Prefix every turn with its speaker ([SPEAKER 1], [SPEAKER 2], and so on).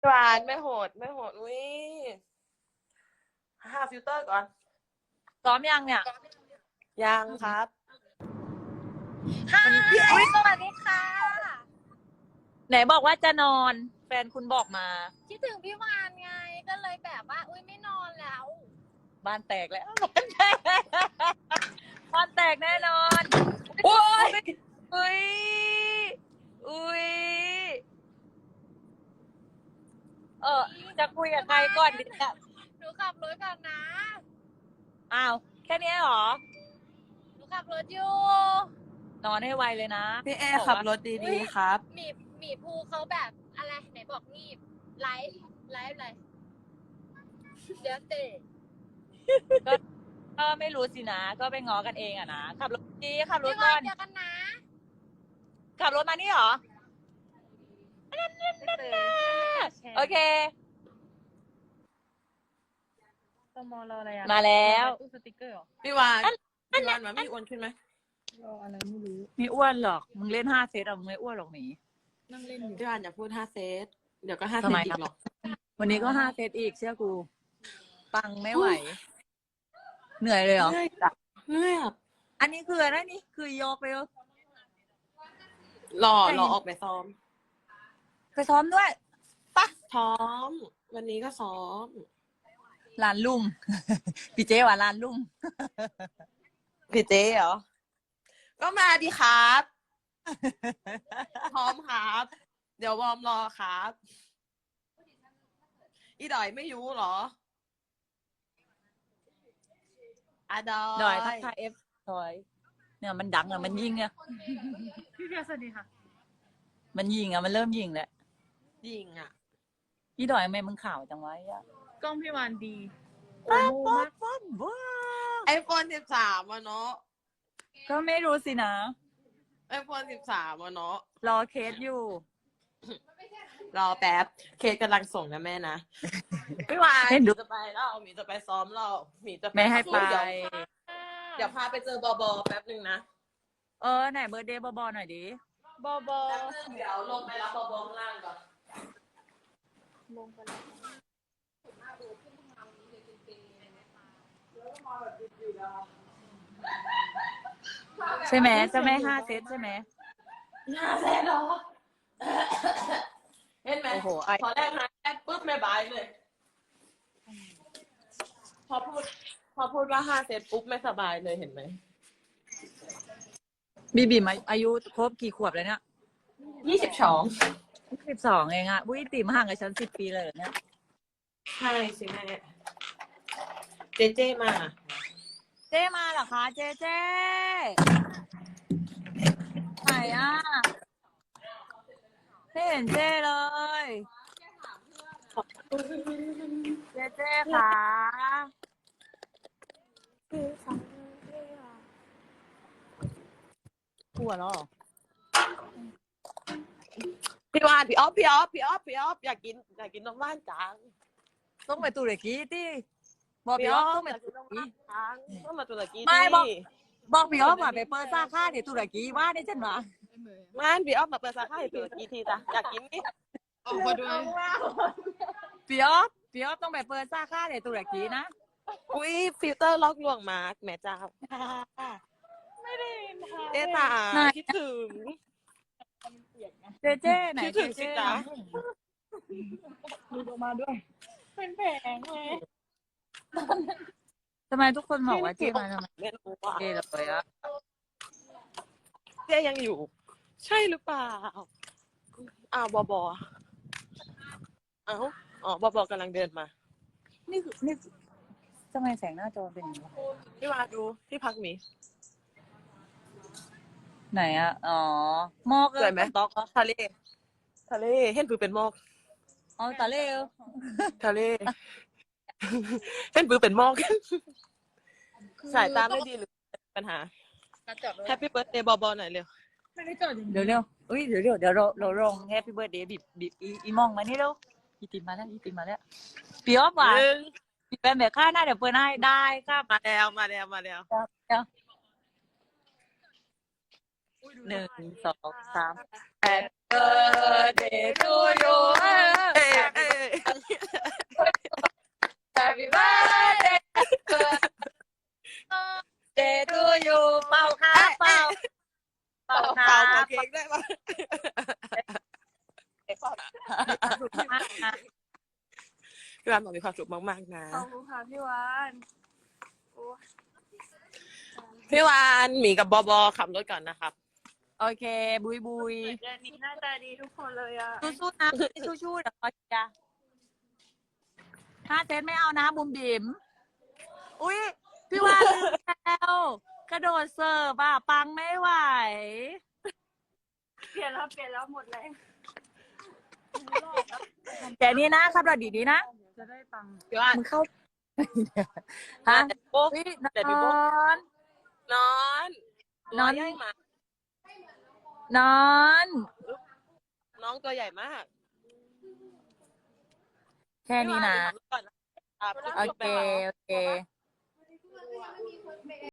[SPEAKER 1] หวานไม่โหดไม่โหดอุ้ยห้าฟิลเตอร์ก่อน
[SPEAKER 2] ซ้อมยังเนี่ย
[SPEAKER 1] ยังครับ
[SPEAKER 2] วันนี้อุ๊ยสวัสดีค่ะไหนบอกว่าจะนอนแฟนคุณบอกมา
[SPEAKER 3] คิดถึงพี่วานไงก็เลยแบบว่าอุ้ยไม่นอนแล้ว
[SPEAKER 2] บ้านแตกแล้วบ้านแตกแน่นอน
[SPEAKER 1] โอ้ย
[SPEAKER 2] อุ้ยอุ้ยจะคุยกับใครก่อนดีเนี่ย
[SPEAKER 3] หนูขับรถก่อนนะ
[SPEAKER 2] อ้าวแค่นี้เหรอ
[SPEAKER 3] หนูขับรถอยู่
[SPEAKER 2] นอนให้ไวเลยนะ
[SPEAKER 1] พี่เอขับรถดีๆครับ
[SPEAKER 3] หมีภูเขาแบบอะไรไหนบอกงีบไลฟ์อะไรเดี๋ยวเตะ
[SPEAKER 2] ก็ไม่รู้สินะก็ไปง้อกันเองอะนะขับรถดีขับรถ
[SPEAKER 3] พี่
[SPEAKER 2] ก่
[SPEAKER 3] วา
[SPEAKER 2] อน น
[SPEAKER 3] เจอกันนะ
[SPEAKER 2] ขับรถมานี่เหรอโอเค
[SPEAKER 4] ตมรออะไรอ่ะ
[SPEAKER 2] มาแล้ว
[SPEAKER 4] ตู้สติกเกอร์เหรอ
[SPEAKER 1] พี่วานมามีอ้วนขึ้นไหม
[SPEAKER 4] รออะไรไม่รู้
[SPEAKER 2] ไม่อ้วนหรอกมึงเล่น5 เซตอะมึงไม่อ้วนหรอกหมี
[SPEAKER 4] นั่งเล่นอยู่
[SPEAKER 1] พี่วานอย่าพูด5 เซตเดี๋ยวก็5 เซ
[SPEAKER 2] ทำ
[SPEAKER 1] ต
[SPEAKER 2] ไม
[SPEAKER 1] อีกหรอก
[SPEAKER 2] วันนี้ก็5 เซตอีกเชื่อกูปังไม่ไหวเหนื่อยเลยเหรอ
[SPEAKER 1] เหนื่อยอ่ะ
[SPEAKER 2] อันนี้คืออะไรนี่คือโยกไปเหรอ
[SPEAKER 1] รอออกไปซ้อม
[SPEAKER 2] ไปซ้อมด้วยปะ
[SPEAKER 1] ซ้อมวันนี้ก็ซ้อม
[SPEAKER 2] ลานลุ่ม พี่เจ๊ว่าลานลุ่ม
[SPEAKER 1] พี่เจ๊เหรอก็มาดีครับพร้อมครับ เดี๋ยววอร์มรอครับอีดอยไม่อยู่เหรออะดอย
[SPEAKER 2] ดอยทักทายดอยเนี่ยมันดังอะมันยิงอะ
[SPEAKER 4] พี่เพียรสวัสดีค่ะ
[SPEAKER 2] มันยิงอะมันเริ่มยิงแล้ว
[SPEAKER 1] ยิงอ่ะ
[SPEAKER 2] พี่ดอยทำไมมึงข่าวจังวะอ่ะ
[SPEAKER 4] กล้องพี่วานดี
[SPEAKER 2] โอ้
[SPEAKER 4] โอ้
[SPEAKER 2] โห
[SPEAKER 4] โหมาก
[SPEAKER 2] ว้า
[SPEAKER 1] iPhone 13อ่ะเนาะ
[SPEAKER 2] ก็ไม่รู้สินะ
[SPEAKER 1] iPhone 13อ่ะเนาะ
[SPEAKER 2] รอเคสอยู่
[SPEAKER 1] รอแป๊บเคสกำลังส่งนะแม่นะพี่วาย
[SPEAKER 2] เห็น
[SPEAKER 1] ห
[SPEAKER 2] ดู
[SPEAKER 1] มีจะไปแล้วหมีจะไปซ้อมเราหมีจะ
[SPEAKER 2] ไม่ให้ไป
[SPEAKER 1] เดี๋ยวพาไปเจอบอบอแป๊บนึงนะ
[SPEAKER 2] ไหนเบอร์เดย์บอหน่อยดิ
[SPEAKER 4] บอบอ
[SPEAKER 1] แป๊บนึงเดี๋ยวลงไปรับบอบอข้างล่างก่อน
[SPEAKER 4] ลงไปแล้ว
[SPEAKER 2] ใช่ไหมจะไม่5 เซตใช่ไหม
[SPEAKER 1] 5 เซตเหรอเห็นไหม
[SPEAKER 2] โอ้โห
[SPEAKER 1] พอแรก5 เซตปุ๊บไม่บายเลย พอพูดว่า5 เซตปุ๊บไม่สบายเลยเห็นไหม
[SPEAKER 2] บีมาอายุครบกี่ขวบแล้วเนี่ย
[SPEAKER 1] 22
[SPEAKER 2] 12เองอะอุ้ยติมห่างกับฉัน10 ปีเลยเหรอเนี่ย
[SPEAKER 1] ใช่สิแม่เจมา
[SPEAKER 2] เจ๊มาเหรอคะเจ๊ไหนอะไม่เห็นเจ๊เลยเจ๊ค่ะกลัวแล้วเหรอ
[SPEAKER 1] พี่วานพี่ออฟอยากกินน้ำว่านจัง
[SPEAKER 2] ต้องไปตุรกีที่บอก
[SPEAKER 1] พี่
[SPEAKER 2] พี่
[SPEAKER 1] อ
[SPEAKER 2] อ๊
[SPEAKER 1] อ
[SPEAKER 2] อฟ
[SPEAKER 1] ฟ
[SPEAKER 2] ต้องไป
[SPEAKER 1] อยากกิ
[SPEAKER 2] ตุ
[SPEAKER 1] น
[SPEAKER 2] ร
[SPEAKER 1] น้ำ
[SPEAKER 2] กี
[SPEAKER 1] ว่านจังต้องมาตุรกี
[SPEAKER 2] ไม่
[SPEAKER 1] ดิ
[SPEAKER 2] บอกพี่อ๊อฟว่าไปเปิดสาขาที่ตุรกีว่าได้จังหวะ
[SPEAKER 1] ม่านพี่ออฟมาเปิดสาขาที่ตุรกีทีจ้ะอยากกินนี่
[SPEAKER 4] ออกมาด้วย
[SPEAKER 2] พี่อ๊อฟต้องไปเปิดสาขาที่ตุรกีนะ
[SPEAKER 1] อุ้ยฟิลเตอร์ล็อกลวงมาร์กแม่เจ้า
[SPEAKER 4] ไม่ได้ค่ะ
[SPEAKER 1] เจ๊ตาคิดถึง
[SPEAKER 2] เจ๊ไหน
[SPEAKER 1] คิดถึงสิจ๊ะ
[SPEAKER 4] ดูออกมาด้วย เป็นแผงเลย
[SPEAKER 2] ทำไมทุกคนบอกว่าเจ๊มาทำไม
[SPEAKER 1] ไม่รู้ว่า
[SPEAKER 2] เจ๊เลยอะ
[SPEAKER 1] เจ๊ยังอยู่ ใช่หรือเปล่าอ้าวบอเอ้าอ๋อบอบอกำลังเดินมา
[SPEAKER 2] นี่ทำไมแสงหน้าจอเป็นอย่างนี้
[SPEAKER 1] พี่วาดูที่พักหมี
[SPEAKER 2] ไหนอะอ๋อหมอก
[SPEAKER 1] สวยไหม
[SPEAKER 2] ต๊อกเหรอ
[SPEAKER 1] ทะเลเห็นปือเป็นหมอก
[SPEAKER 2] อ๋อตาเล่เหรอ
[SPEAKER 1] ทะเล เห็นปือเป็นหมอก สายตาไม่ดีหรือปัญหา
[SPEAKER 4] จอดรถ
[SPEAKER 1] แฮปปี้เบิร์ดเดย์บอบอหน่อยเร็ว
[SPEAKER 4] ไม่ได้จอดอย่าง
[SPEAKER 2] เดี๋ยวอุ้ยเดี๋ยวเราลงแฮปปี้เบิร์ดเดย์บีบอีมองมานี่เร็วอีติมมาแล้วพี่อ๊อฟว่ะพี่เป็นแบบค่าหน้าเดี๋ยวเปิดให้ได้ครับ
[SPEAKER 1] มาแล้ว
[SPEAKER 2] เดี๋ยว1 2 3 Happy birthday to you
[SPEAKER 1] องได้ปะ พี่วานบอกมีความสุขมากๆนะ
[SPEAKER 4] ขอบคุณค่ะพี่วาน
[SPEAKER 1] พี่วานหมีกับบอบอขับรถก่อนนะครับ
[SPEAKER 2] โอเค บุยบุย
[SPEAKER 4] เดือนนี้หน้าตาดีทุกคนเลยอ่ะ
[SPEAKER 2] สู้ๆนะสู้ๆเดี๋ยวขอจ้ะถ้าเซตไม่เอานะบุมบิ๋มอุ้ยพี่วานลืมแล้วกระโดดเสิร์ฟอ่ะปังไม่ไหว
[SPEAKER 4] เปลี่ยนแล้วหมดแรง
[SPEAKER 2] แต่นี่นะขับรถดีๆนะ
[SPEAKER 4] จะได้ปัง
[SPEAKER 1] พี่วาน
[SPEAKER 2] มึงเข้าฮะ
[SPEAKER 1] โป๊ะ
[SPEAKER 2] อุ๊ย
[SPEAKER 1] แต่พี่โบ๊ะ
[SPEAKER 2] น
[SPEAKER 1] นอน
[SPEAKER 2] นอน
[SPEAKER 1] ย่ายหมาน
[SPEAKER 2] อน
[SPEAKER 1] น้องตัวใหญ่มาก
[SPEAKER 2] แค่นี้นะ
[SPEAKER 1] พี่วาขับรถก่อนนะครับ
[SPEAKER 2] โอเค โอเค